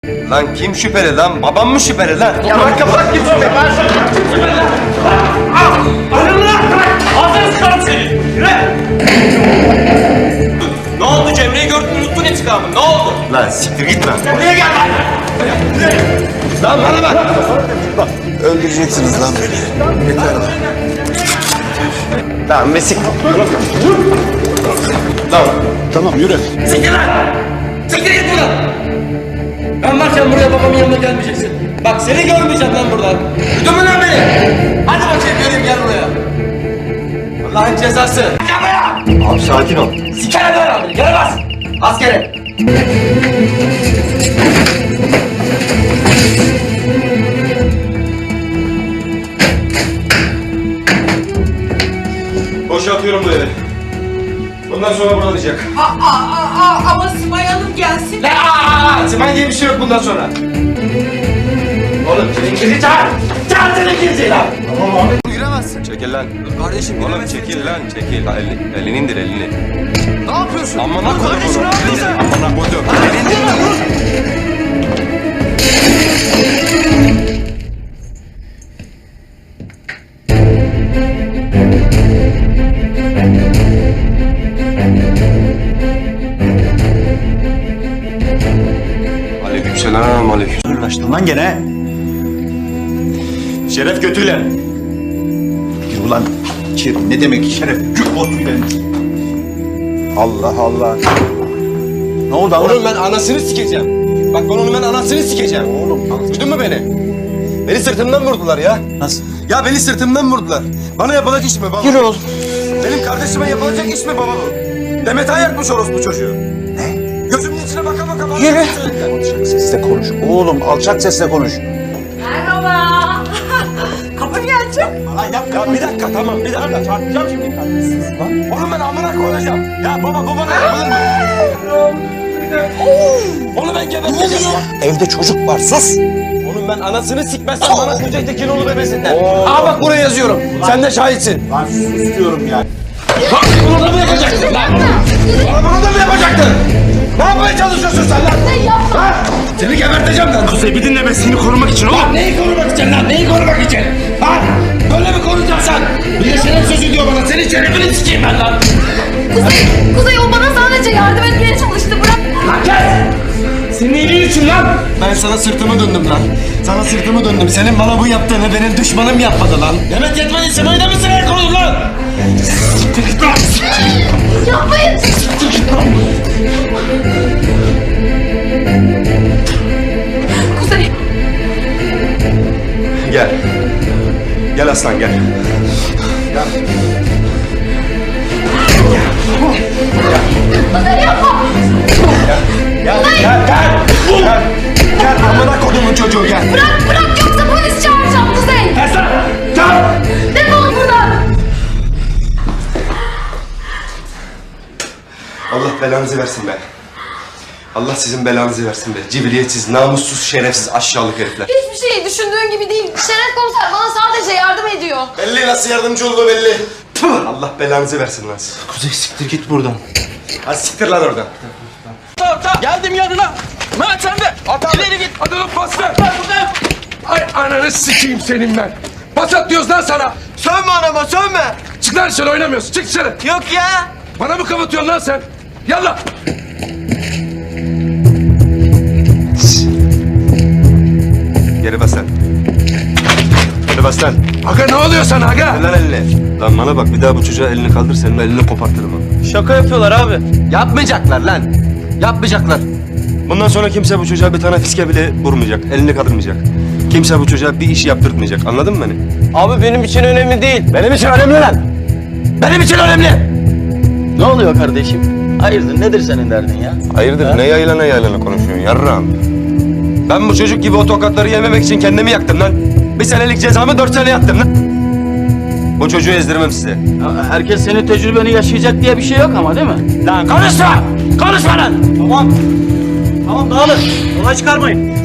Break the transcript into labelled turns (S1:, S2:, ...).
S1: Lan kim şüpheli lan? Babam mı şüpheli lan?
S2: Ya bak kapat git şöyle. Ben şüpheli lan. Ayrılın lan. Ağzını sıkarım seni. Yürü. Ne oldu Cemre'yi gördün unuttun intikamını. Ne oldu?
S1: Lan siktir git lan.
S2: Buraya gel lan.
S1: Lan bana bak.
S3: Öldüreceksiniz lan beni. Yeter lan.
S1: Lan be siktir. Lan.
S3: Tamam yürü.
S2: Siktir lan. Siktir git buradan. Ben varken buraya babamın yanına gelmeyeceksin. Bak seni görmeyeceğim lan buradan. Duydun mu lan beni? Hadi bakayım göreyim gel buraya. Allah'ın cezası. Gel buraya.
S1: Abi sakin ol.
S2: Sikere dön abi. Gel bas. Askere.
S1: Boşaltıyorum bu evi. Bundan sonra burada olacak.
S4: Ama Simay Hanım gelsin.
S1: Simay diye bir şey yok bundan sonra.
S2: Oğlum Çilinkir'i çağır. Çağır Çilinkir'i lan.
S1: Giremezsin. Çekil lan.
S3: Kardeşim
S1: Oğlum çekil lan çekil. Elini indir elini.
S3: Ne yapıyorsun?
S1: Amına koydum bunu. Amına koydum. Aleykümselam, aleyküm.
S3: Uğraştın lan gene.
S1: Şeref götüyle.
S3: Yürü ulan. Ne demek şeref? Gül botuyla. Allah Allah. Ne oldu Allah?
S1: Oğlum ben anasını sikeceğim. Bak ben anasını sikeceğim.
S3: Oğlum.
S1: Duydun mu beni? Beni sırtımdan vurdular ya.
S3: Nasıl?
S1: Ya beni sırtımdan vurdular. Bana yapılacak iş mi baba?
S3: Yürü oğlum.
S1: Benim kardeşime yapılacak iş mi baba bu? Demet ayartmış orospu çocuğu.
S3: Ne?
S1: Gözümün içine baka baka bana
S3: Yürü.
S1: söylediler.
S3: Alçak sesle konuş. Oğlum alçak sesle konuş.
S4: Merhaba. Kapı gelecek.
S3: Lan yapma.
S1: Ya bir dakika tamam bir dakika çarpacağım şimdi. Oğlum ben amına koyacağım. Ya baba ne yapılır mı? Onu ben geberteceğim ya.
S3: Evde çocuk var sus.
S1: Oğlum ben anasını sikmezsem bana Kuzey Tekinoğlu bebesinler. Aa bak buraya yazıyorum. Sen de şahitsin.
S3: Lan sus diyorum ya.
S1: Bunu da mı yapacaktın lan? Bunu da mı yapacaktın? Ne yapmaya çalışıyorsun sen lan? Ha? Seni geberteceğim lan. Kuzey bir dinle seni korumak için oğlum.
S2: Neyi korumak için lan? Neyi korumak için? Ha? Böyle mi koruyacaksın sen? Bir de şeref sözü diyor bana. Senin şerefini sikeyim ben lan.
S4: Kuzey o bana sadece yardım etmeye çalıştı. Bırak.
S2: Lan kes! Senin iyiliğin için lan.
S1: Ben sana sırtımı döndüm lan. Sana sırtımı döndüm. Senin bana bu yaptığını benim düşmanım yapmadı lan.
S2: Demet yetmedi. Simayı da mı sıraya korudun lan? Siktir git lan.
S4: Yapmayın. Kuzey.
S1: Gel. Gel aslan gel.
S4: Kuzey yapma.
S1: Gel amına kodumun çocuğu gel.
S4: Bırak yoksa polis çağıracağım Kuzey.
S2: Kes lan. Çağır.
S4: Defol buradan.
S1: Allah belanızı versin be. Allah sizin belanızı versin be. Cibiliyetsiz, namussuz, şerefsiz, aşağılık herifler.
S4: Hiçbir şey düşündüğün gibi değil. Şeref komiser bana sadece yardım ediyor.
S1: Belli nasıl yardımcı olduğu belli. Tüh! Allah belanızı versin lan.
S3: Kuzey siktir git buradan.
S1: Hadi siktir lan oradan.
S2: Tamam. Geldim yanına. Mehmet sen de. İleri git.
S5: Hadi lan pas ver.
S2: Ben buradayım.
S5: Ay ananı sikeyim senin ben. Pas at diyoruz lan sana.
S2: Sövme anama sövme.
S5: Çık lan dışarı oynamıyorsun. Çık dışarı.
S2: Yok ya.
S5: Bana mı kapatıyorsun lan sen? Yallah.
S1: Geri bas lan. Geri bas lan.
S5: Aga ne oluyor sana aga?
S1: Ver lan elini. Lan bana bak bir daha bu çocuğa elini kaldır senin elini kopartırım ha.
S2: Şaka yapıyorlar abi.
S1: Yapmayacaklar lan. Yapmayacaklar. Bundan sonra kimse bu çocuğa bir tane fiske bile vurmayacak. Elini kaldırmayacak. Kimse bu çocuğa bir iş yaptırtmayacak. Anladın mı beni?
S2: Abi benim için önemli değil.
S1: Benim için önemli lan. Benim için önemli.
S6: Ne oluyor kardeşim? Hayırdır nedir senin derdin ya?
S1: Hayırdır ne yaylana konuşuyorsun yarram. Ben bu çocuk gibi o tokatları yememek için kendimi yaktım lan. Bir senelik cezamı 4 sene yattım lan. Bu çocuğu ezdirmem size.
S6: Ya herkes senin tecrübeni yaşayacak diye bir şey yok ama değil mi?
S2: Lan konuşma! Konuşma lan!
S6: Tamam. Tamam dağılın. Olay çıkarmayın.